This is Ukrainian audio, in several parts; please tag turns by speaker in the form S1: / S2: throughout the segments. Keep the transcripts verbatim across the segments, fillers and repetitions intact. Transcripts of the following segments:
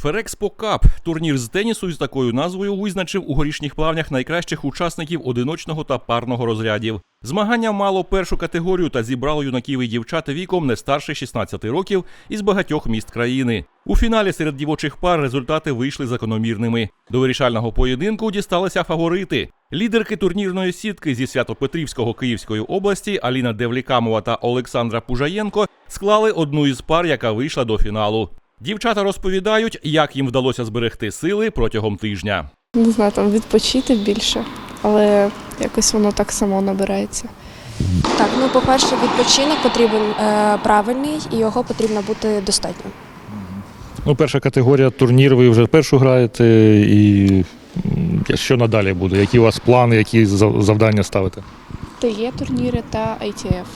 S1: Ферекспо Кап – турнір з тенісу з такою назвою визначив у горішніх плавнях найкращих учасників одиночного та парного розрядів. Змагання мало першу категорію та зібрало юнаків і дівчат віком не старше шістнадцяти років із багатьох міст країни. У фіналі серед дівочих пар результати вийшли закономірними. До вирішального поєдинку дісталися фаворити. Лідерки турнірної сітки зі Свято-Петрівського Київської області Аліна Девлікамова та Олександра Пужаєнко склали одну із пар, яка вийшла до фіналу. Дівчата розповідають, як їм вдалося зберегти сили протягом тижня.
S2: Не знаю, там відпочити більше, але якось воно так само набирається.
S3: Так, ну, по-перше, відпочинок потрібен е, правильний і його потрібно бути достатньо.
S4: Ну, перша категорія турнір, ви вже першу граєте, і що надалі буде? Які у вас плани, які завдання ставите?
S2: Т Є турніри та Ай Ті Еф.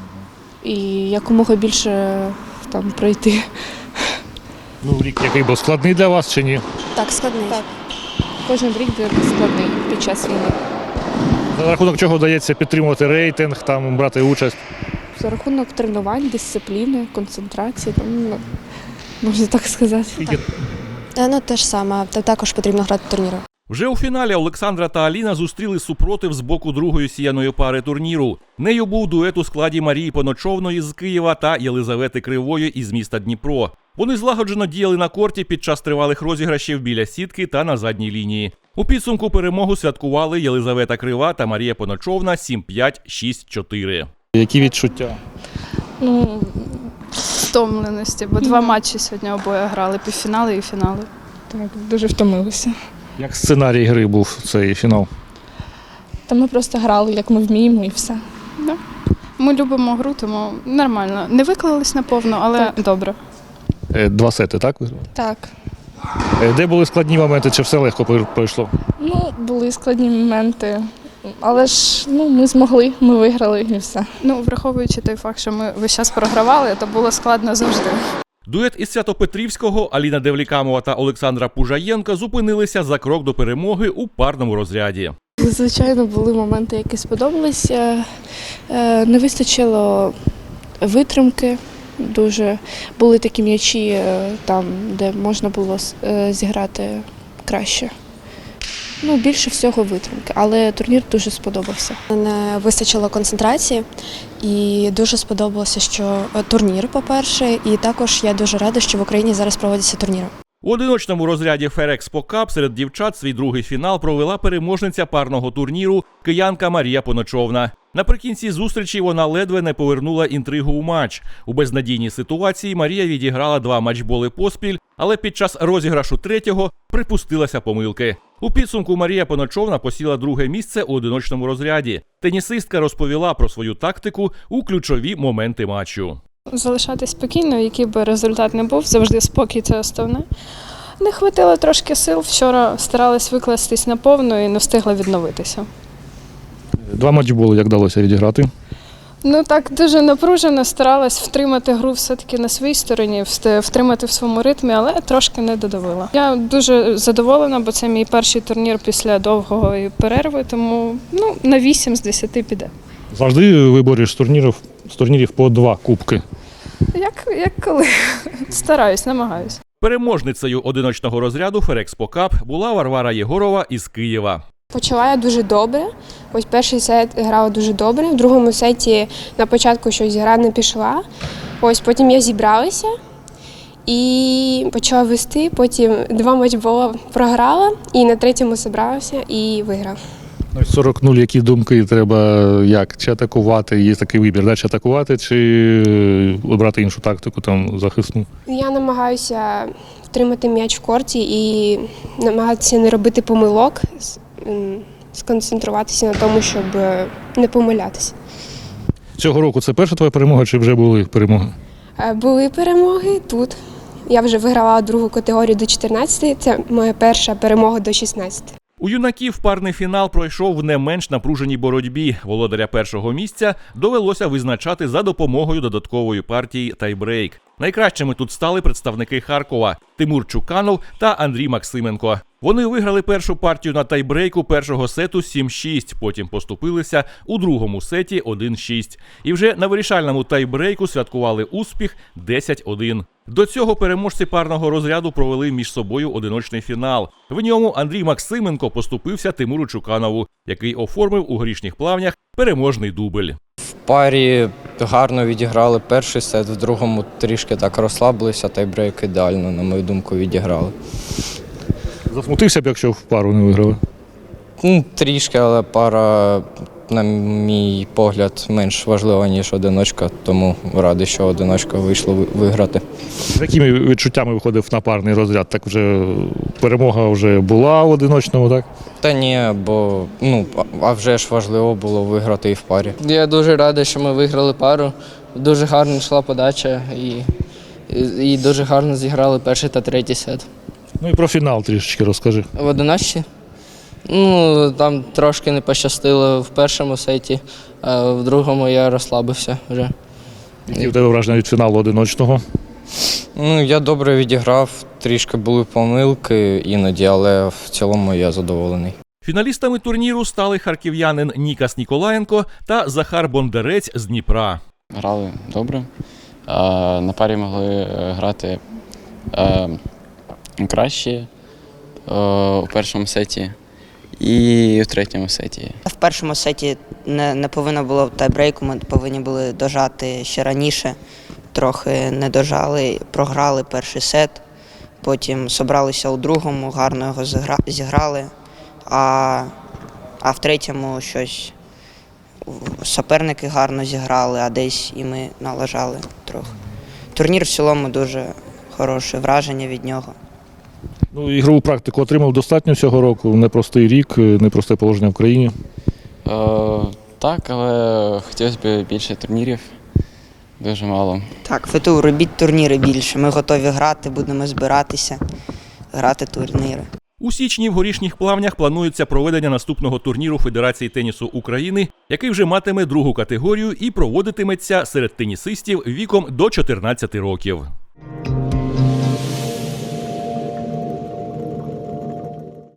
S2: І якомога більше там пройти.
S4: Ну, рік який був складний для вас чи ні?
S3: Так, складний.
S2: Так. Кожен рік буде складний під час війни.
S4: За рахунок чого вдається підтримувати рейтинг, там брати участь?
S2: За рахунок тренувань, дисципліни, концентрації, там, ну, можна так сказати.
S3: Так. Е, ну, те ж саме, також потрібно грати турніри.
S1: Вже у фіналі Олександра та Аліна зустріли супротив з боку другої сіяної пари турніру. Нею був дует у складі Марії Поночовної з Києва та Єлизавети Кривої із міста Дніпро. Вони злагоджено діяли на корті під час тривалих розіграшів біля сітки та на задній лінії. У підсумку перемогу святкували Єлизавета Крива та Марія Поночовна сім п'ять, шість чотири.
S4: Які відчуття?
S5: Ну, стомленості, бо два матчі сьогодні обоє грали, півфінали і фінали.
S2: Так, дуже втомилися.
S4: Як сценарій гри був цей фінал?
S2: Та ми просто грали, як ми вміємо, і все.
S5: Да. Ми любимо гру, тому нормально. Не виклались наповну, але
S2: Так.
S5: добре.
S4: Два сети, так? ви грали?
S2: Так.
S4: Де були складні моменти, чи все легко пройшло?
S2: Ну, були складні моменти, але ж ну, ми змогли, ми виграли і все.
S5: Ну, враховуючи той факт, що ми весь час програвали, то було складно завжди.
S1: Дует із Свято-Петрівського Аліна Девлікамова та Олександра Пужаєнко зупинилися за крок до перемоги у парному розряді.
S2: Звичайно, були моменти, які сподобалися. Не вистачило витримки. Дуже були такі м'ячі, там, де можна було зіграти краще. Ну, більше всього витримки, але турнір дуже сподобався.
S3: Не вистачило концентрації і дуже сподобалося, що турнір, по-перше, і також я дуже рада, що в Україні зараз проводяться турніри.
S1: У одиночному розряді Ферекспо Кап серед дівчат свій другий фінал провела переможниця парного турніру киянка Марія Поночовна. Наприкінці зустрічі вона ледве не повернула інтригу у матч. У безнадійній ситуації Марія відіграла два матчболи поспіль, але під час розіграшу третього припустилася помилки. У підсумку Марія Поночовна посіла друге місце у одиночному розряді. Тенісистка розповіла про свою тактику у ключові моменти матчу.
S5: Залишатись спокійно, який би результат не був, завжди спокій – це основне. Не хватило трошки сил, вчора старалась викластись наповну і не встигла відновитися.
S4: Два матчі було, як вдалося відіграти?
S5: Ну так, дуже напружено, старалась втримати гру все-таки на своїй стороні, втримати в своєму ритмі, але трошки не додавила. Я дуже задоволена, бо це мій перший турнір після довгої перерви, тому ну, на вісім з десяти піде.
S4: Завжди виборюєш з турнірів, з турнірів по два кубки.
S5: Як, як коли? Стараюсь, намагаюсь.
S1: Переможницею одиночного розряду Ферекспо Кап була Варвара Єгорова із Києва.
S6: Почала я дуже добре. Ось перший сет грала дуже добре. В другому сеті на початку щось гра не пішла. Ось потім я зібралася і почала вести. Потім два матчбола програла і на третьому зібралася і виграла.
S4: сорок нуль, які думки треба, як, чи атакувати, є такий вибір, да? Чи атакувати, чи обрати іншу тактику, там, захисну?
S6: Я намагаюся втримати м'яч в корті і намагатися не робити помилок, сконцентруватися на тому, щоб не помилятися.
S4: Цього року це перша твоя перемога, чи вже були перемоги?
S6: Були перемоги тут. Я вже виграла другу категорію до чотирнадцяти, це моя перша перемога до шістнадцяти.
S1: У юнаків парний фінал пройшов в не менш напруженій боротьбі. Володаря першого місця довелося визначати за допомогою додаткової партії тайбрейк. Найкращими тут стали представники Харкова – Тимур Чуканов та Андрій Максименко. Вони виграли першу партію на тайбрейку першого сету сім шість, потім поступилися у другому сеті один шість. І вже на вирішальному тайбрейку святкували успіх десять один. До цього переможці парного розряду провели між собою одиночний фінал. В ньому Андрій Максименко поступився Тимуру Чуканову, який оформив у горішніх плавнях переможний дубль.
S7: В парі гарно відіграли перший сет, в другому трішки так розслабилися, тайбрейк ідеально, на мою думку, відіграли.
S4: Засмутився б, якщо в пару не виграли.
S7: Ну, трішки, але пара, на мій погляд, менш важлива, ніж одиночка, тому радий, що одиночка вийшло ви- виграти.
S4: З якими відчуттями виходив на парний розряд? Так вже перемога вже була в одиночному, так?
S7: Та ні, бо ну, а- а вже ж важливо було виграти і в парі.
S8: Я дуже радий, що ми виграли пару. Дуже гарно йшла подача і, і, і дуже гарно зіграли перший та третій сет.
S4: Ну і про фінал трішечки розкажи.
S8: В одиночці, ну, там трошки не пощастило в першому сеті, а в другому я розслабився вже.
S4: Які в тебе враження від фіналу одиночного?
S7: Ну, я добре відіграв, трішки були помилки іноді, але в цілому я задоволений.
S1: Фіналістами турніру стали харків'янин Нікас Ніколаєнко та Захар Бондарець з Дніпра.
S9: Грали добре. Е, На парі могли е, грати е, краще е, у першому сеті і в третьому сеті.
S10: В першому сеті не, не повинно було тайбрейку, ми повинні були дожати ще раніше. Трохи не дожали, програли перший сет, потім зібралися у другому, гарно його зігра- зіграли, а, а в третьому щось суперники гарно зіграли, а десь і ми налажали трохи. Турнір в цілому дуже хороше враження від нього.
S4: Ну, ігрову практику отримав достатньо цього року. Непростий рік, непросте положення в країні.
S9: Е, Так, але хотілося б більше турнірів. Дуже мало.
S10: Так, ФТУ, робіть турніри більше. Ми готові грати, будемо збиратися, грати турніри.
S1: У січні в горішніх плавнях планується проведення наступного турніру Федерації тенісу України, який вже матиме другу категорію і проводитиметься серед тенісистів віком до чотирнадцяти років.